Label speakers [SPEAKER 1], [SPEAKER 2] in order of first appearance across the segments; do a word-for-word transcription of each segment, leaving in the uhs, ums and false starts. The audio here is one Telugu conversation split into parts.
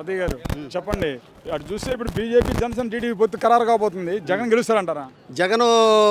[SPEAKER 1] తాతయ్య గారు చెప్పండి, అటు చూస్తే ఇప్పుడు బీజేపీ జనసేన టీడీపీ పొత్తు ఖరారు కాబోతుంది, జగన్ గెలుస్తారంటారా?
[SPEAKER 2] జగన్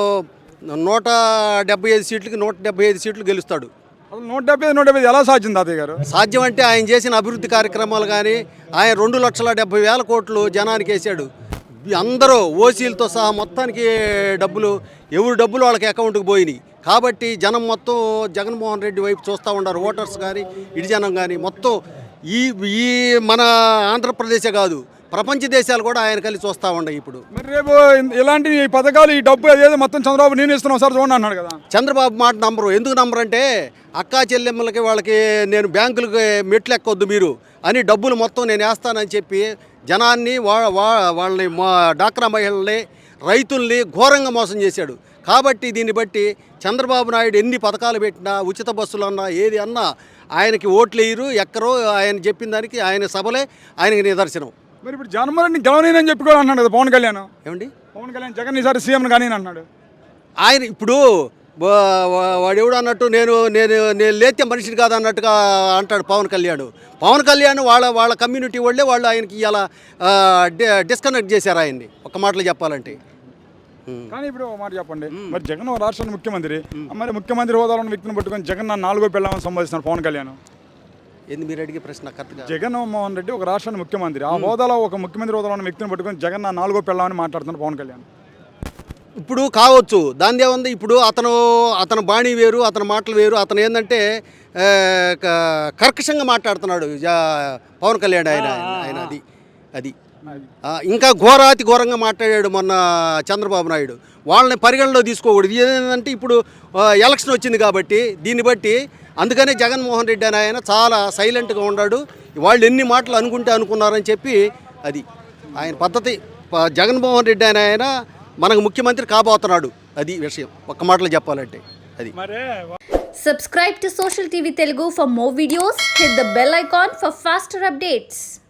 [SPEAKER 2] నూట డెబ్బై ఐదు సీట్లకి నూట డెబ్బై ఐదు సీట్లు గెలుస్తాడు.
[SPEAKER 1] అసలు నూట డెబ్బై నూట డెబ్బై ఎలా సాధ్యం తాతయ్య గారు?
[SPEAKER 2] సాధ్యం అంటే ఆయన చేసిన అభివృద్ధి కార్యక్రమాలు కానీ, ఆయన రెండు లక్షల డెబ్బై వేల కోట్లు జనానికి వేసాడు. అందరూ ఓసీలతో సహా మొత్తానికి డబ్బులు, ఎవరు డబ్బులు వాళ్ళకి అకౌంట్కి పోయినాయి. కాబట్టి జనం మొత్తం జగన్మోహన్ రెడ్డి వైపు చూస్తూ ఉన్నారు. ఓటర్స్ కానీ ఇటు జనం కానీ మొత్తం ఈ ఈ మన ఆంధ్రప్రదేశే కాదు, ప్రపంచ దేశాలు కూడా ఆయన కలిసి చూస్తూ ఉన్నాయి. ఇప్పుడు
[SPEAKER 1] మరి రేపు ఇలాంటి పథకాలు, ఈ డబ్బు అదేదో మొత్తం చంద్రబాబు నేను ఇస్తున్నాం సార్ చూడండి అన్నాడు కదా.
[SPEAKER 2] చంద్రబాబు మాట నంబరు ఎందుకు నంబరు అంటే, అక్కా చెల్లెమ్మలకి వాళ్ళకి నేను బ్యాంకులకి మెట్లు ఎక్కొద్దు మీరు అని డబ్బులు మొత్తం నేను వేస్తానని చెప్పి జనాన్ని వాళ్ళని డాక్రా మహిళల్ని రైతుల్ని ఘోరంగా మోసం చేశాడు. కాబట్టి దీన్ని బట్టి చంద్రబాబు నాయుడు ఎన్ని పథకాలు పెట్టినా, ఉచిత బస్సులు అన్నా ఏది అన్నా ఆయనకి ఓట్లు వేయరు, ఎక్కరో. ఆయన చెప్పిన దానికి ఆయన సభలే ఆయనకి నిదర్శనం.
[SPEAKER 1] మరి ఇప్పుడు జగన్మోహన్ గెలవనేనని చెప్పి కూడా అన్నాడు కదా పవన్ కళ్యాణ్.
[SPEAKER 2] ఏమండి
[SPEAKER 1] పవన్ కళ్యాణ్ జగన్ ఈసారి సీఎం కానీ అన్నాడు
[SPEAKER 2] ఆయన. ఇప్పుడు వాడు ఎవడు అన్నట్టు నేను నేను నేను లేతే మనిషిని కాదు అన్నట్టుగా అంటాడు పవన్ కళ్యాణ్. పవన్ కళ్యాణ్ వాళ్ళ వాళ్ళ కమ్యూనిటీ వాళ్ళే వాళ్ళు ఆయనకి ఇలా డిస్కనెక్ట్ చేశారు ఆయన్ని, ఒక మాటలో చెప్పాలంటే.
[SPEAKER 1] కానీ ఇప్పుడు ఒక మాట చెప్పండి, మరి జగన్ రాష్ట్రానికి ముఖ్యమంత్రి, మరి ముఖ్యమంత్రి హోదాలో ఉన్న వ్యక్తిని పట్టుకొని జగన్ నా నాలుగో పెళ్ళామని సంబోధిస్తున్నారు పవన్ కళ్యాణ్.
[SPEAKER 2] ఏంది మీరు అడిగే ప్రశ్న కరెక్ట్గా?
[SPEAKER 1] జగన్మోహన్ రెడ్డి ఒక రాష్ట్రానికి ముఖ్యమంత్రి, ఆ హోదాలో ఒక ముఖ్యమంత్రి హోదాలో ఉన్న వ్యక్తిని పట్టుకొని జగన్ నా నాలుగో పెళ్ళామని మాట్లాడుతున్నారు పవన్ కళ్యాణ్.
[SPEAKER 2] ఇప్పుడు కావచ్చు, దాని ఏముంది. ఇప్పుడు అతను అతను బాణీ వేరు, అతని మాటలు వేరు. అతను ఏంటంటే కర్కశంగా మాట్లాడుతున్నాడు పవన్ కళ్యాణ్. ఆయన ఆయన అది అది ఇంకా ఘోరాతి ఘోరంగా మాట్లాడాడు మొన్న చంద్రబాబు నాయుడు. వాళ్ళని పరిగణలో తీసుకోకూడదు. ఏంటంటే ఇప్పుడు ఎలక్షన్ వచ్చింది కాబట్టి దీన్ని బట్టి, అందుకనే జగన్మోహన్ రెడ్డి అని ఆయన చాలా సైలెంట్గా ఉన్నాడు. వాళ్ళు ఎన్ని మాటలు అనుకుంటే అనుకున్నారని చెప్పి అది ఆయన పద్ధతి. జగన్మోహన్ రెడ్డి అని ఆయన మనకు ముఖ్యమంత్రి కాబోతున్నాడు. అది విషయం, ఒక్క మాటలో చెప్పాలంటే అది.
[SPEAKER 3] Subscribe to Social T V Telugu for more videos. Hit the bell icon for faster updates.